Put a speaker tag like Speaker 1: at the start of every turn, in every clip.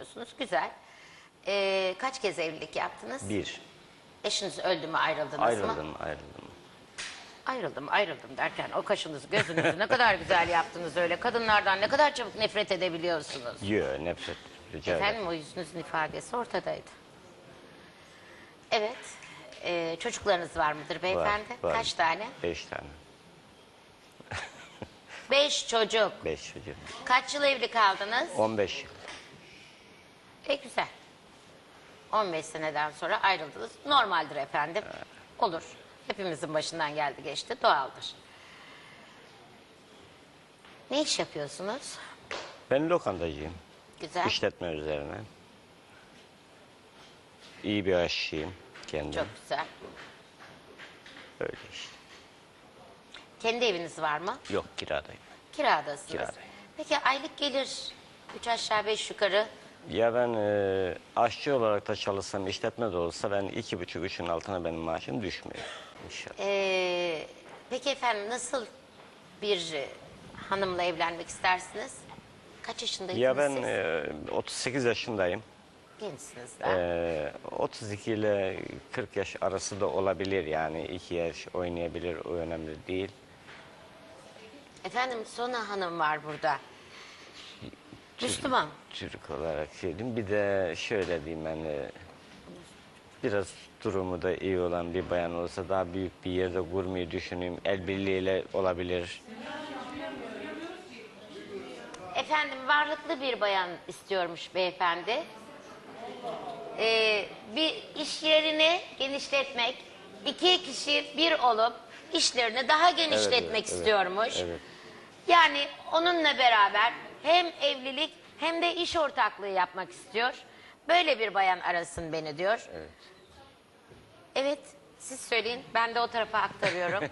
Speaker 1: yapıyorsunuz. Güzel. Kaç kez evlilik yaptınız?
Speaker 2: Bir.
Speaker 1: Eşiniz öldü mü, ayrıldınız mı?
Speaker 2: Ayrıldım.
Speaker 1: Ayrıldım derken o kaşınızı gözünüzü ne kadar güzel yaptınız öyle. Kadınlardan ne kadar çabuk nefret edebiliyorsunuz.
Speaker 2: Yok, nefret. Rica ederim.
Speaker 1: Efendim, o yüzünüzün ifadesi ortadaydı. Evet. Çocuklarınız var mıdır beyefendi?
Speaker 2: Var.
Speaker 1: Kaç tane?
Speaker 2: 5 tane.
Speaker 1: 5 çocuk.
Speaker 2: 5 çocuğum.
Speaker 1: Kaç yıl evli kaldınız?
Speaker 2: 15 yıl.
Speaker 1: Güzel. 15 seneden sonra ayrıldınız. Normaldir efendim. Olur. Hepimizin başından geldi geçti. Doğaldır. Ne iş yapıyorsunuz?
Speaker 2: Ben lokantacıyım.
Speaker 1: Güzel.
Speaker 2: İşletme üzerine. İyi bir aşçıyım kendim.
Speaker 1: Çok güzel.
Speaker 2: Öyle işte.
Speaker 1: Kendi eviniz var mı?
Speaker 2: Yok, kiradayım.
Speaker 1: Kiradasınız.
Speaker 2: Kiradayım.
Speaker 1: Peki aylık gelir 3 aşağı 5 yukarı.
Speaker 2: Ya ben aşçı olarak da çalışsam, işletme de olsa ben 2,5-3'ün altına benim maaşım düşmüyor inşallah.
Speaker 1: Peki efendim, nasıl bir hanımla evlenmek istersiniz? Kaç yaşındaydınız
Speaker 2: Ya ben
Speaker 1: siz?
Speaker 2: 38 yaşındayım.
Speaker 1: Gençsiniz daha.
Speaker 2: 32 ile 40 yaş arası da olabilir, yani 2 yaş oynayabilir, o önemli değil.
Speaker 1: Efendim, Sona Hanım var burada. Müslüman.
Speaker 2: Türk olarak söyleyeyim. Bir de şöyle diyeyim, ben biraz durumu da iyi olan bir bayan olsa daha büyük bir yerde kurmayı düşünüyorum. El birliğiyle olabilir.
Speaker 1: Efendim, varlıklı bir bayan istiyormuş beyefendi. Bir iş yerini genişletmek, 2 kişi bir olup işlerini daha genişletmek istiyormuş.
Speaker 2: Evet.
Speaker 1: Yani onunla beraber hem evlilik hem de iş ortaklığı yapmak istiyor. Böyle bir bayan arasın beni diyor.
Speaker 2: Evet.
Speaker 1: Evet, siz söyleyin, ben de o tarafa aktarıyorum.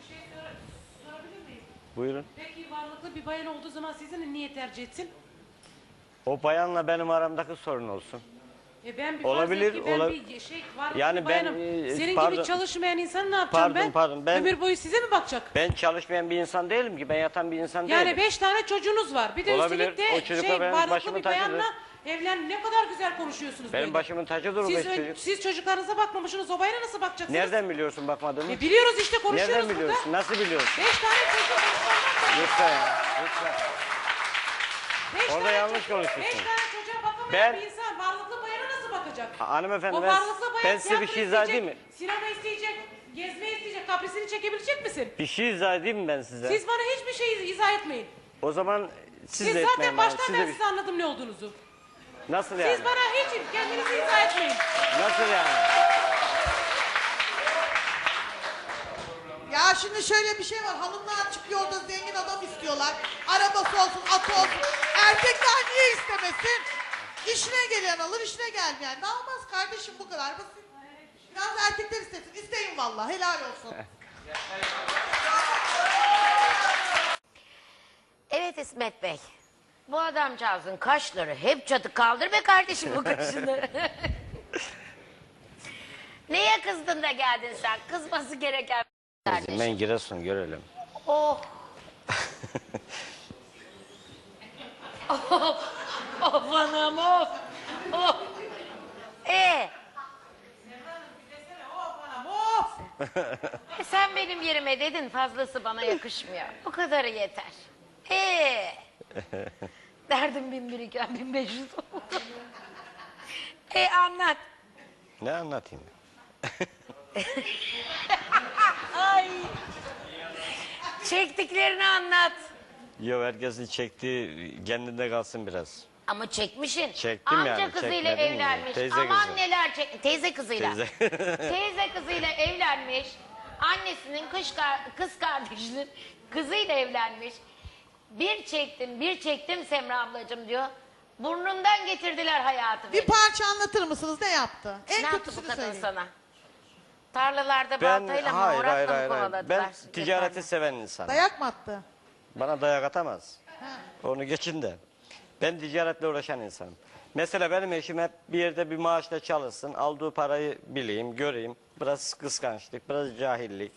Speaker 2: Buyurun.
Speaker 3: Peki varlıklı bir bayan olduğu zaman sizi niye tercih etsin?
Speaker 2: O bayanla benim aramdaki sorun olsun.
Speaker 3: Ben bir
Speaker 2: Olabilir,
Speaker 3: farz et ki ben
Speaker 2: olabilir.
Speaker 3: bir varlıklı
Speaker 2: Yani
Speaker 3: bir bayanım.
Speaker 2: ben,
Speaker 3: Senin
Speaker 2: pardon.
Speaker 3: gibi çalışmayan insan ne yapacağım
Speaker 2: Pardon, ben-
Speaker 3: Ömür boyu size mi bakacak?
Speaker 2: Ben çalışmayan bir insan değilim ki. Ben yatan bir insan
Speaker 3: Yani
Speaker 2: değilim.
Speaker 3: 5 tane çocuğunuz var. Bir de
Speaker 2: Olabilir.
Speaker 3: üstelik
Speaker 2: O
Speaker 3: de
Speaker 2: çocukla benim
Speaker 3: varlıklı
Speaker 2: başımın
Speaker 3: bir
Speaker 2: tacıdır.
Speaker 3: bayanla evlen, ne kadar güzel konuşuyorsunuz
Speaker 2: Benim
Speaker 3: böyle.
Speaker 2: başımın tacıdır o 5 çocuk.
Speaker 3: Siz çocuklarınıza bakmamışsınız, o bayana nasıl bakacaksınız?
Speaker 2: Nereden biliyorsun bakmadığımı?
Speaker 3: Biliyoruz işte, konuşuyoruz
Speaker 2: Nereden
Speaker 3: burada.
Speaker 2: biliyorsun? Nasıl biliyorsun?
Speaker 3: 5 tane çocuğu
Speaker 2: Lütfen ya, lütfen. Orada yanlış konuşuyorsun.
Speaker 3: 5 tane çocuğa bakamayan
Speaker 2: Ben-
Speaker 3: bir insan varlıklı bayana nasıl bakacak?
Speaker 2: Hanımefendi,
Speaker 3: O
Speaker 2: ben
Speaker 3: varlıklı bayan
Speaker 2: size bir
Speaker 3: tiyatro
Speaker 2: şey izah
Speaker 3: isteyecek,
Speaker 2: edeyim mi?
Speaker 3: sinema isteyecek, gezme isteyecek, kaprisini çekebilecek misin?
Speaker 2: Bir şey izah edeyim mi ben size?
Speaker 3: Siz bana hiçbir şey izah etmeyin.
Speaker 2: O zaman siz
Speaker 3: Siz
Speaker 2: de
Speaker 3: zaten
Speaker 2: etmeyin bana.
Speaker 3: baştan
Speaker 2: Siz de
Speaker 3: ben
Speaker 2: bir-
Speaker 3: size anladım ne olduğunuzu.
Speaker 2: Nasıl yani?
Speaker 3: Siz bana hiç kendinizi izah etmeyin.
Speaker 2: Nasıl yani?
Speaker 4: Ya şimdi şöyle bir şey var. Hanımlar çıkıyor, yolda zengin adam istiyorlar. Arabası olsun, atı olsun. Erkekler niye istemesin? İşine gelen alır, işine gelmeyen ne almaz kardeşim, bu kadar basit. Biraz erkekler istesin. İsteyin vallahi, helal olsun.
Speaker 1: Evet İsmet Bey. Bu adamcağızın kaşları hep çatı, kaldır be kardeşim bu kaşını. Neye kızdın da geldin sen? Kızması gereken kardeşim.
Speaker 2: Ben Giresun görelim.
Speaker 1: Oh. Of. Of anam of. Of. Sen benim yerime dedin, fazlası bana yakışmıyor. Bu kadarı yeter. Derdim 1001 iken 1500 oldu. Anlat.
Speaker 2: Ne anlatayım?
Speaker 1: Ay. Çektiklerini anlat.
Speaker 2: Yok, herkesin çektiği kendinde kalsın biraz.
Speaker 1: Ama çekmişsin.
Speaker 2: Çektim
Speaker 1: Amca
Speaker 2: yani,
Speaker 1: kızıyla
Speaker 2: çekmedim mi?
Speaker 1: evlenmiş.
Speaker 2: Teyze
Speaker 1: Aman
Speaker 2: kızı.
Speaker 1: neler teyze kızıyla.
Speaker 2: Teyze.
Speaker 1: Teyze kızıyla evlenmiş. Annesinin kız kardeşinin kızıyla evlenmiş. Bir çektim Semra ablacığım diyor. Burnundan getirdiler hayatı.
Speaker 4: Bir parça anlatır mısınız, ne yaptı? En
Speaker 1: Ne yaptı bu
Speaker 4: kötüsünü
Speaker 1: kadın
Speaker 4: söyleyin.
Speaker 1: sana? Tarlalarda baltayla mı, moratla mı kovaladılar?
Speaker 2: Ben ticareti
Speaker 1: Efendim?
Speaker 2: seven insanım.
Speaker 4: Dayak mı attı?
Speaker 2: Bana dayak atamaz. Onu geçin de. Ben ticaretle uğraşan insanım. Mesela benim eşim hep bir yerde bir maaşla çalışsın, aldığı parayı bileyim, göreyim. Biraz kıskançlık, biraz cahillik.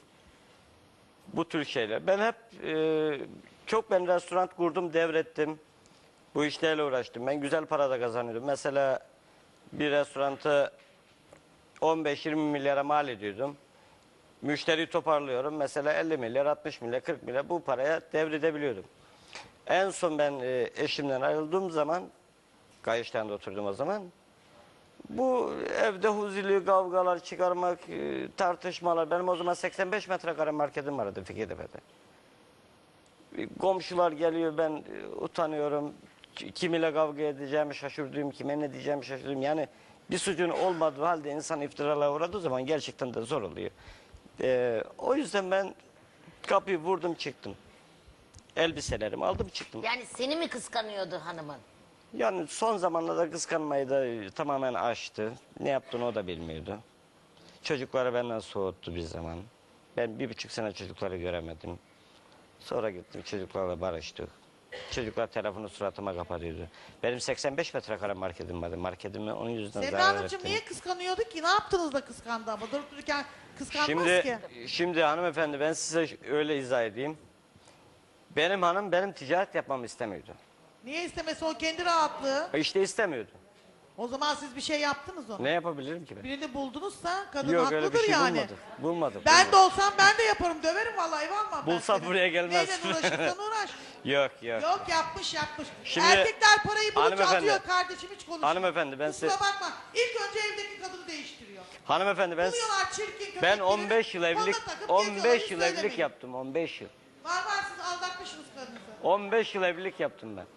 Speaker 2: Bu tür şeyler. Ben hep ben restoran kurdum, devrettim. Bu işlerle uğraştım. Ben güzel para da kazanıyordum. Mesela bir restorantı 15-20 milyara mal ediyordum. Müşteriyi toparlıyorum. Mesela 50 milyar, 60 milyar, 40 milyar bu paraya devredebiliyordum. En son ben eşimden ayrıldığım zaman, Kayış'tan da oturdum o zaman. Bu evde huzurlu kavgalar çıkarmak, tartışmalar. Benim o zaman 85 metrekare marketim vardı Fikirtepe'de. Komşular geliyor, ben utanıyorum. Kimiyle kavga edeceğimi şaşırdım, kime ne diyeceğimi şaşırdım. Yani bir suçun olmadığı halde insan iftiralara uğradığı zaman gerçekten de zor oluyor. O yüzden ben kapıyı vurdum çıktım. Elbiselerimi aldım çıktım.
Speaker 1: Yani seni mi kıskanıyordu hanımın?
Speaker 2: Yani son zamanlarda kıskanmayı da tamamen aştı. Ne yaptığını o da bilmiyordu. Çocukları benden soğuttu bir zaman. Ben 1,5 sene çocukları göremedim. Sonra gittim çocuklarla barıştık. Çocuklar telefonu suratıma kapatıyordu. Benim 85 metrekare marketim vardı. Marketimi onun yüzünden
Speaker 4: Semra
Speaker 2: zarar
Speaker 4: Hanımcığım
Speaker 2: ettim.
Speaker 4: niye kıskanıyordu ki? Ne yaptınız da kıskandı ama? Durup dururken kıskanmaz ki.
Speaker 2: Şimdi hanımefendi ben size öyle izah edeyim. Benim hanım benim ticaret yapmamı istemiyordu.
Speaker 4: Niye istemesi o kendi rahatlığı?
Speaker 2: İşte istemiyordu.
Speaker 4: O zaman siz bir şey yaptınız ona.
Speaker 2: Ne yapabilirim ki ben?
Speaker 4: Birini buldunuzsa kadın
Speaker 2: Yok
Speaker 4: haklıdır
Speaker 2: öyle bir şey
Speaker 4: yani.
Speaker 2: bulmadım.
Speaker 4: Ben de olsam ben de yaparım. Döverim vallahi varmam ben
Speaker 2: Bulsam
Speaker 4: seni.
Speaker 2: buraya gelmez.
Speaker 4: Neyle uğraşırsan uğraş.
Speaker 2: Yok.
Speaker 4: Yok yapmış.
Speaker 2: Şimdi-
Speaker 4: Erkekler parayı bulunca
Speaker 2: Hanımefendi-
Speaker 4: atıyor kardeşim hiç konuşma.
Speaker 2: Hanımefendi, ben
Speaker 4: Kusura
Speaker 2: size-
Speaker 4: bakma. İlk önce evdeki kadını değiştiriyor.
Speaker 2: Hanımefendi
Speaker 4: Buluyorlar çirkin köpekleri.
Speaker 2: ben 15 yıl evlilik
Speaker 4: koluna takıp
Speaker 2: 15
Speaker 4: geziyorlar,
Speaker 2: yıl
Speaker 4: hiç
Speaker 2: evlilik
Speaker 4: söylemeyin.
Speaker 2: yaptım 15 yıl.
Speaker 4: Var siz aldatmışsınız karınızı.
Speaker 2: 15 yıl evlilik yaptım ben.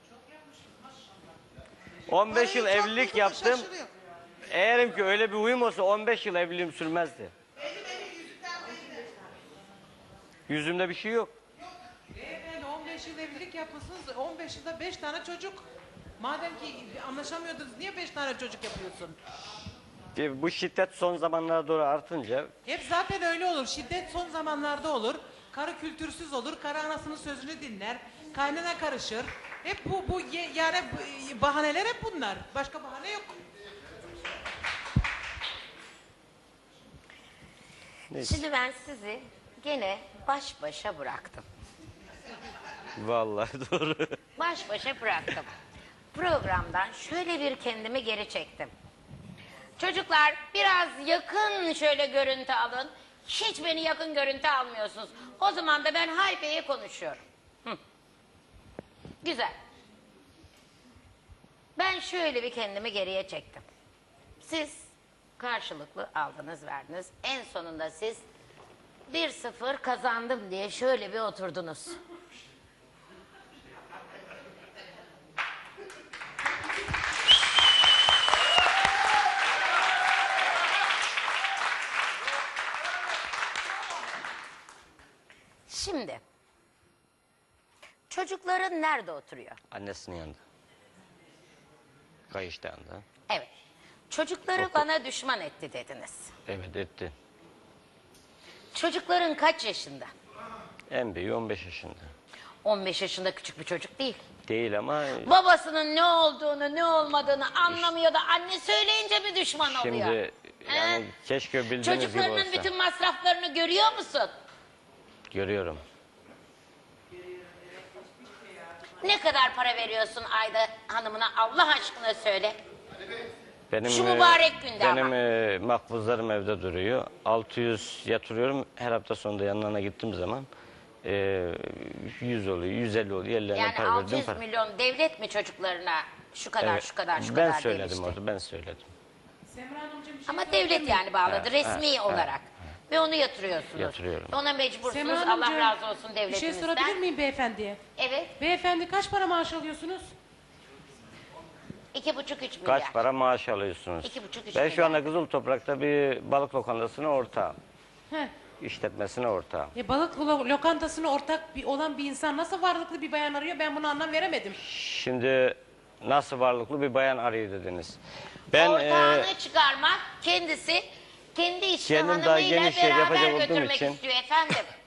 Speaker 2: 15 yıl
Speaker 4: Parayı çok
Speaker 2: evlilik
Speaker 4: bulduğunda
Speaker 2: yaptım.
Speaker 4: şaşırıyor.
Speaker 2: Eğerim ki öyle bir uyum olsa 15 yıl evliliğim sürmezdi.
Speaker 4: Belli yüzünden belli.
Speaker 2: Yüzümde bir şey yok.
Speaker 3: Beyefendi 15 yıl evlilik yapmışsınız. 15 yılda 5 tane çocuk. Madem ki anlaşamıyordunuz niye 5 tane çocuk yapıyorsun?
Speaker 2: Bu şiddet son zamanlara doğru artınca
Speaker 3: Hep zaten öyle olur. Şiddet son zamanlarda olur. Karı kültürsüz olur. Karı anasının sözünü dinler. Kaynana karışır. Hep yani bahaneler hep bunlar. Başka bahane yok.
Speaker 2: neyse.
Speaker 1: Şimdi ben sizi gene baş başa bıraktım.
Speaker 2: Vallahi doğru.
Speaker 1: Baş başa bıraktım. Programdan şöyle bir kendimi geri çektim. Çocuklar biraz yakın şöyle görüntü alın. Hiç beni yakın görüntü almıyorsunuz. O zaman da ben Hayfe'ye konuşuyorum. Güzel. Ben şöyle bir kendimi geriye çektim. Siz karşılıklı aldınız verdiniz. En sonunda siz 1-0 kazandım diye şöyle bir oturdunuz. Şimdi çocukların nerede oturuyor?
Speaker 2: Annesinin yanında. Kayışta yanında.
Speaker 1: Evet. Çocukları bana düşman etti dediniz.
Speaker 2: Evet etti.
Speaker 1: Çocukların kaç yaşında?
Speaker 2: En büyüğü 15 yaşında.
Speaker 1: 15 yaşında küçük bir çocuk değil.
Speaker 2: Değil ama
Speaker 1: Babasının ne olduğunu, ne olmadığını anlamıyor da anne söyleyince mi düşman oluyor?
Speaker 2: şimdi yani
Speaker 1: He?
Speaker 2: keşke bildiğiniz gibi
Speaker 1: Çocuklarının
Speaker 2: olsa.
Speaker 1: bütün masraflarını görüyor musun?
Speaker 2: Görüyorum.
Speaker 1: Ne kadar para veriyorsun ayda hanımına Allah aşkına söyle.
Speaker 2: Benim,
Speaker 1: Şu mübarek günde
Speaker 2: benim
Speaker 1: ama.
Speaker 2: makbuzlarım evde duruyor. 600 yatırıyorum. Her hafta sonunda yanlarına gittiğim zaman 100 oluyor, 150 oluyor. Ellerine
Speaker 1: Yani
Speaker 2: para verdiğim
Speaker 1: 600
Speaker 2: para.
Speaker 1: milyon devlet mi çocuklarına şu kadar
Speaker 2: Evet,
Speaker 1: şu kadar şu
Speaker 2: ben
Speaker 1: kadar
Speaker 2: söyledim
Speaker 1: demişti.
Speaker 2: orada, ben söyledim.
Speaker 3: Semra Hanımcığım bir şey
Speaker 1: Ama
Speaker 3: sorabilir
Speaker 1: devlet
Speaker 3: miyim?
Speaker 1: yani bağladı
Speaker 2: Evet,
Speaker 1: resmi
Speaker 2: evet,
Speaker 1: olarak. Ve onu yatırıyorsunuz.
Speaker 2: Yatırıyorum.
Speaker 1: Ona mecbursunuz.
Speaker 3: Semra
Speaker 1: Allah
Speaker 3: Hanımcığım,
Speaker 1: razı olsun
Speaker 3: bir şey
Speaker 1: devletimizden.
Speaker 3: sorabilir miyim beyefendiye?
Speaker 1: Evet.
Speaker 3: Beyefendi kaç para maaş alıyorsunuz?
Speaker 1: 2,5-3 milyar.
Speaker 2: Kaç para maaş alıyorsunuz?
Speaker 1: 2,5-3
Speaker 2: Ben şu
Speaker 1: milyar.
Speaker 2: anda Kızıl Toprak'ta bir balık lokantasına ortağım.
Speaker 3: Heh.
Speaker 2: İşletmesine ortağım.
Speaker 3: Balık lokantasına ortak olan bir insan nasıl varlıklı bir bayan arıyor ben buna anlam veremedim.
Speaker 2: Şimdi nasıl varlıklı bir bayan arıyor dediniz. Ben
Speaker 1: Ortağını çıkarmak kendisi kendi işini
Speaker 2: kendim daha
Speaker 1: hanımıyla
Speaker 2: geniş yer
Speaker 1: beraber
Speaker 2: yapacak olduğum
Speaker 1: götürmek
Speaker 2: için-
Speaker 1: istiyor efendim.